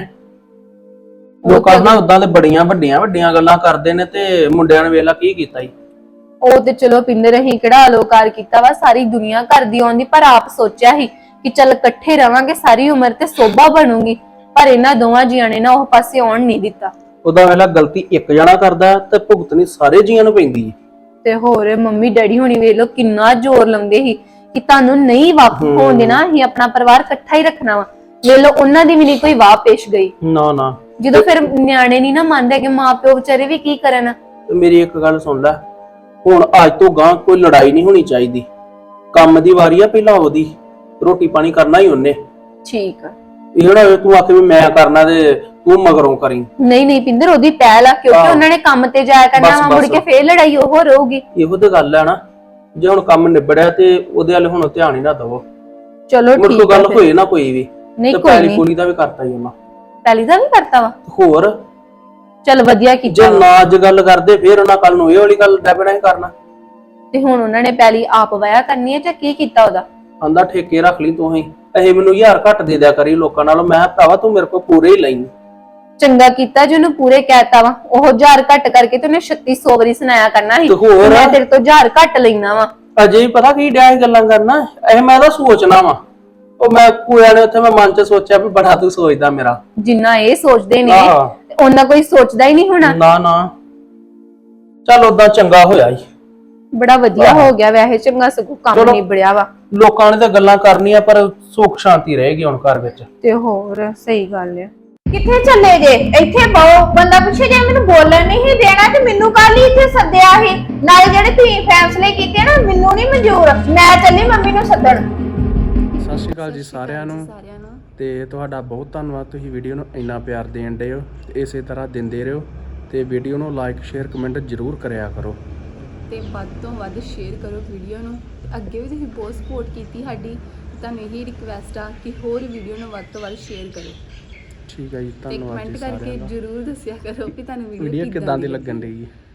[SPEAKER 3] ਲੋਕਾਂ ਨਾਲ ਉਦਾਂ ਤੇ ਬੜੀਆਂ ਵੱਡੀਆਂ ਵੱਡੀਆਂ ਗੱਲਾਂ ਕਰਦੇ ਨੇ, ਤੇ ਮੁੰਡਿਆਂ ਨੇ ਵੇਲਾ ਕੀ ਕੀਤਾ ਈ।
[SPEAKER 4] ਉਹ ਤੇ ਚਲੋ ਪਿੰਦਰ, ਅਸੀਂ ਕਿਹੜਾ ਅਲੋਕਾਰ ਕੀਤਾ ਵਾ, ਸਾਰੀ ਦੁਨੀਆ ਕਰਦੀ ਆਉਂਦੀ, ਪਰ ਆਪ ਸੋਚਿਆ ਸੀ ਕਿ ਚੱਲ ਇਕੱਠੇ ਰਵਾਂਗੇ ਸਾਰੀ ਉਮਰ ਤੇ ਸੋਭਾ ਬਣੂਗੀ। ਪਰ ਇਹਨਾਂ ਦੋਵਾਂ ਜੀਆਂ ਨੇ ਨਾ ਉਹ ਪਾਸੇ ਆਉਣ ਨਹੀਂ ਦਿੱਤਾ। ਉਹਦਾ
[SPEAKER 3] ਵੇਲਾ ਗਲਤੀ ਇੱਕ ਜਣਾ ਕਰਦਾ ਤੇ ਭੁਗਤਣੀ ਸਾਰੇ ਜੀਆਂ ਨੂੰ ਪੈਂਦੀ ਹੈ।
[SPEAKER 4] ਤੇ ਹੋਰ ਮੰਮੀ ਡੈਡੀ ਹੁਣੀ ਵੇਖ ਲੋ ਕਿੰਨਾ ਜ਼ੋਰ ਲਾਉਂਦੇ ਸੀ ਕਿ ਤੁਹਾਨੂੰ ਨਹੀਂ ਵਾਪਸ ਹੋਣ ਦੇਣਾ, ਅਸੀਂ ਆਪਣਾ ਪਰਿਵਾਰ ਇਕੱਠਾ ਹੀ ਰੱਖਣਾ ਵਾ। ਵੇਖ ਲੋ ਉਹਨਾਂ ਦੀ ਵੀ ਨਹੀਂ ਕੋਈ ਵਾਹ ਪੇਸ਼ ਗਈ।
[SPEAKER 3] ਨਾ ਨਾ,
[SPEAKER 4] ਜਦੋਂ ਫਿਰ ਨਿਆਣੇ ਨਹੀਂ ਨਾ ਮੰਨਦੇ ਕਿ ਮਾਂ ਪਿਓ ਵਿਚਾਰੇ ਵੀ ਕੀ ਕਰਨ।
[SPEAKER 3] ਮੇਰੀ ਇੱਕ ਗੱਲ ਸੁਣ ਲੈ, ਹੁਣ ਅੱਜ ਤੋਂ ਗਾਂ ਕੋਈ ਲੜਾਈ ਨਹੀਂ ਹੋਣੀ ਚਾਹੀਦੀ। ਕੰਮ ਦੀ ਵਾਰੀ ਆ ਪਹਿਲਾਂ ਉਹਦੀ, ਰੋਟੀ ਪਾਣੀ ਕਰਨਾ ਹੀ ਉਹਨੇ।
[SPEAKER 4] ਠੀਕ ਆ।
[SPEAKER 3] ਇਹ ਨਾ ਤੂੰ ਆਖੇ ਵੀ ਮੈਂ ਕਰਨਾ ਤੇ ਤੂੰ ਮਗਰੋਂ ਕਰੀ।
[SPEAKER 4] ਨਹੀਂ ਨਹੀਂ ਪਿੰਦਰ, ਉਹਦੀ ਪਹਿਲ ਆ, ਕਿਉਂਕਿ ਉਹਨਾਂ ਨੇ ਕੰਮ ਤੇ ਜਾਇਆ ਕਰਨਾ ਵਾ, ਮੁੜ ਕੇ ਫੇਰ ਲੜਾਈ ਉਹ ਰਹੂਗੀ।
[SPEAKER 3] ਇਹੋ ਤੇ ਗੱਲ ਹੈ ਨਾ, ਜੇ ਹੁਣ ਕੰਮ ਨਿਬੜਿਆ ਤੇ ਉਹਦੇ ਵੱਲ ਹੁਣ ਧਿਆਨ ਹੀ ਨਾ ਦਵੋ।
[SPEAKER 4] ਚਲੋ ਠੀਕ
[SPEAKER 3] ਹੈ, ਗੱਲ ਹੋਏ ਨਾ ਕੋਈ ਵੀ।
[SPEAKER 4] ਨਹੀਂ ਕੋਈ ਨਹੀਂ,
[SPEAKER 3] ਕੁੜੀ ਦਾ ਵੀ ਕਰਤਾ ਹੀ ਉਹਨਾਂ।
[SPEAKER 4] ਪਹਿਲੀ ਦਾ ਵੀ ਕਰਤਾ ਵਾ।
[SPEAKER 3] ਹੋਰ
[SPEAKER 4] ਚਲ ਵਧੀਆ ਕੀਤਾ।
[SPEAKER 3] ਜੇ ਨਾ ਅੱਜ ਗੱਲ ਕਰਦੇ ਫੇਰ ਉਹਨਾਂ ਕੱਲ ਨੂੰ ਇਹ ਵਾਲੀ ਗੱਲ ਡੈਬਣਾ ਹੀ ਕਰਨਾ।
[SPEAKER 4] ਤੇ ਹੁਣ ਉਹਨਾਂ ਨੇ ਪਹਿਲੀ ਆਪ ਵਾਇਆ ਕਰਨੀ ਹੈ ਜਾਂ ਕੀ ਕੀਤਾ ਉਹਦਾ?
[SPEAKER 3] ਆਂਦਾ ਠੇਕੇ ਰੱਖ ਲਈ ਤੂੰ ਹੀ, ਇਹ ਮੈਨੂੰ ਹਜ਼ਾਰ ਘੱਟ ਦੇ ਦਿਆ ਕਰੀ ਲੋਕਾਂ ਨਾਲੋਂ। ਮੈਂ ਭਰਾਵਾ ਤੂੰ ਮੇਰੇ ਕੋਲ ਪੂਰੇ ਹੀ ਲਈ।
[SPEAKER 4] ਚੰਗਾ ਕੀਤਾ ਜੇ ਉਹਨੂੰ ਪੂਰੇ ਕਹਿਤਾ ਵਾ। ਉਹ ਹਜ਼ਾਰ ਘੱਟ ਕਰਕੇ ਤੇ ਉਹਨੇ ਛੱਤੀ ਸੌ ਵਾਰੀ ਸੁਣਾਇਆ ਕਰਨਾ ਸੀ ਮੈਂ ਤੇਰੇ ਤੋਂ ਹਜ਼ਾਰ ਘੱਟ ਲੈਣਾ ਵਾ।
[SPEAKER 3] ਅਜੇ ਹੀ ਪਤਾ ਕੀ ਡਿਆ ਗੱਲਾਂ ਕਰਨਾ, ਇਹ ਮੈਂ ਤਾਂ ਸੋਚਣਾ ਵਾ। ਉਹ ਮੈਂ ਕੋਇਆ ਨੇ ਉੱਥੇ ਮੈਂ ਮਨ ਚ ਸੋਚਿਆ ਵੀ ਬੜਾ ਤੂੰ ਸੋਚਦਾ ਮੇਰਾ।
[SPEAKER 4] ਜਿੰਨਾ ਇਹ ਸੋਚਦੇ ਨੇ ਉਹਨਾਂ ਕੋਈ ਸੋਚਦਾ ਹੀ ਨਹੀਂ ਹੋਣਾ।
[SPEAKER 3] ਨਾ ਨਾ, ਚੱਲ ਓਦਾਂ ਚੰਗਾ ਹੋਇਆ ਹੀ,
[SPEAKER 4] ਬੜਾ ਵਧੀਆ ਹੋ ਗਿਆ। ਵੈਸੇ ਚੰਗਾ ਸਗੋਂ ਕੰਮ ਨਿਬੜਿਆ ਵਾ।
[SPEAKER 3] ਲੋਕਾਂ ਨੇ ਤਾਂ ਗੱਲਾਂ ਕਰਨੀਆਂ ਪਰ ਸੁੱਖ ਸ਼ਾਂਤੀ ਰਹੇਗੀ ਹੁਣ ਘਰ ਵਿੱਚ।
[SPEAKER 4] ਤੇ ਹੋਰ ਸਹੀ ਗੱਲ ਹੈ।
[SPEAKER 5] ਕਿੱਥੇ ਚੱਲੇ ਜੇ? ਇੱਥੇ ਬਹੁ ਬੰਦਾ ਪੁੱਛੇ ਜੇ ਮੈਨੂੰ ਬੋਲਣ ਨਹੀਂ ਸੀ ਦੇਣਾ ਤੇ ਮੈਨੂੰ ਕੱਲ ਹੀ ਇੱਥੇ ਸੱਦਿਆ ਸੀ। ਨਾਲੇ ਜਿਹੜੇ ਤੁਸੀਂ ਫੈਸਲੇ ਕੀਤੇ ਨਾ ਮੈਨੂੰ ਨਹੀਂ ਮਨਜ਼ੂਰ। ਮੈਂ ਚੱਲੀ ਮੰਮੀ ਨੂੰ ਸੱਦਣ।
[SPEAKER 3] ਸਤਿ ਸ਼੍ਰੀ ਅਕਾਲ ਜੀ ਸਾਰਿਆਂ ਨੂੰ ਤੇ ਤੁਹਾਡਾ ਬਹੁਤ ਧੰਨਵਾਦ, ਤੁਸੀਂ ਵੀਡੀਓ ਨੂੰ ਇੰਨਾ ਪਿਆਰ ਦੇਣ ਦੇ ਹੋ ਤੇ ਇਸੇ ਤਰ੍ਹਾਂ ਦਿੰਦੇ ਰਹੋ ਤੇ ਵੀਡੀਓ ਨੂੰ ਲਾਈਕ ਸ਼ੇਅਰ ਕਮੈਂਟ ਜ਼ਰੂਰ ਕਰਿਆ ਕਰੋ
[SPEAKER 6] ਤੇ ਵੱਧ ਤੋਂ ਵੱਧ ਸ਼ੇਅਰ ਕਰੋ ਵੀਡੀਓ ਨੂੰ। ਅੱਗੇ ਵੀ ਤੁਸੀਂ ਬਹੁਤ ਸਪੋਰਟ ਕੀਤੀ ਸਾਡੀ, ਤੁਹਾਨੂੰ ਇਹੀ ਰਿਕਵੈਸਟ ਆ ਕਿ ਹੋਰ ਵੀਡੀਓ ਨੂੰ ਵੱਧ ਤੋਂ ਵੱਧ ਸ਼ੇਅਰ ਕਰੋ
[SPEAKER 3] ਠੀਕ ਹੈ ਜੀ।
[SPEAKER 6] ਤੇ
[SPEAKER 3] ਧੰਨਵਾਦ
[SPEAKER 6] ਕਮੈਂਟ
[SPEAKER 3] ਜੀ
[SPEAKER 6] ਕਰਕੇ
[SPEAKER 3] ਸਾਰਿਆਂ ਦਾ।
[SPEAKER 6] ਜ਼ਰੂਰ ਦੱਸਿਆ ਕਰੋ ਕਿ ਤੁਹਾਨੂੰ
[SPEAKER 3] ਵੀਡੀਓ
[SPEAKER 6] ਵੀਡੀਓ
[SPEAKER 3] ਕਿੱਦਾਂ ਦੀ ਲੱਗਣ ਰਹੀ ਹੈ।